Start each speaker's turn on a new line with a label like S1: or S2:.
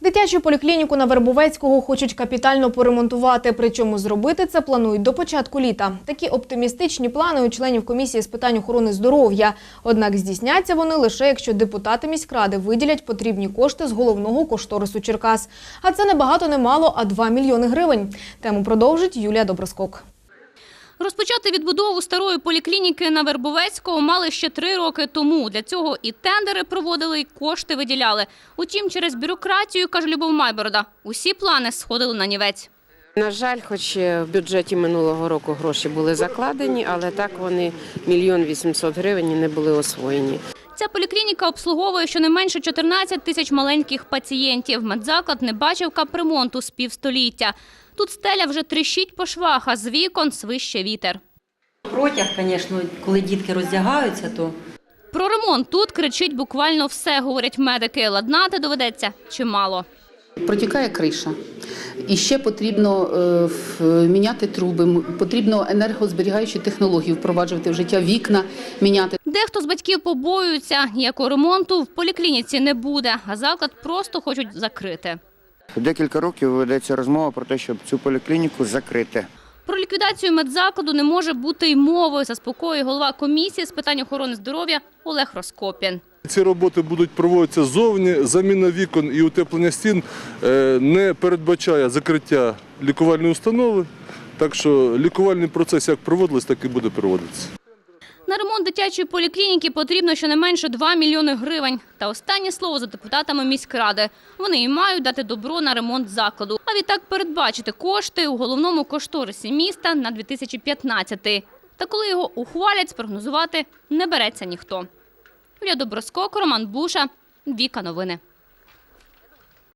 S1: Дитячу поліклініку на Вербовецького хочуть капітально поремонтувати, причому зробити це планують до початку літа. Такі оптимістичні плани у членів комісії з питань охорони здоров'я. Однак здійсняться вони лише, якщо депутати міськради виділять потрібні кошти з головного кошторису Черкас. А це не багато, не мало, а 2 мільйони гривень. Тему продовжить Юлія Доброскок.
S2: Розпочати відбудову старої поліклініки на Вербовецького мали ще 3 роки тому. Для цього і тендери проводили, і кошти виділяли. Утім, через бюрократію, каже Любов Майборода, усі плани сходили на нівець.
S3: На жаль, хоч в бюджеті минулого року гроші були закладені, але так вони 1 800 000 гривень не були освоєні.
S2: Ця поліклініка обслуговує щонайменше 14 тисяч маленьких пацієнтів. Медзаклад не бачив капремонту з півстоліття. Тут стеля вже тріщить по швах, а з вікон свище вітер.
S4: Протяг, звісно, коли дітки роздягаються, то…
S2: Про ремонт тут кричить буквально все, говорять медики. Ладнати доведеться чимало.
S5: Протікає криша. І ще потрібно міняти труби, потрібно енергозберігаючі технології впроваджувати в життя, вікна міняти.
S2: Дехто з батьків побоюються, ніякого ремонту в поліклініці не буде, а заклад просто хочуть закрити.
S6: Декілька років ведеться розмова про те, щоб цю поліклініку закрити.
S2: Про ліквідацію медзакладу не може бути й мови, заспокоює голова комісії з питань охорони здоров'я Олег Роскопін.
S7: Ці роботи будуть проводитися ззовні, заміна вікон і утеплення стін не передбачає закриття лікувальної установи, так що лікувальний процес як проводилось, так і буде проводитися.
S2: На ремонт дитячої поліклініки потрібно щонайменше 2 мільйони гривень. Та останнє слово за депутатами міськради. Вони і мають дати добро на ремонт закладу. А відтак передбачити кошти у головному кошторисі міста на 2015. Та коли його ухвалять, спрогнозувати не береться ніхто. Юлія Доброскок, Роман Буша, Віка Новини.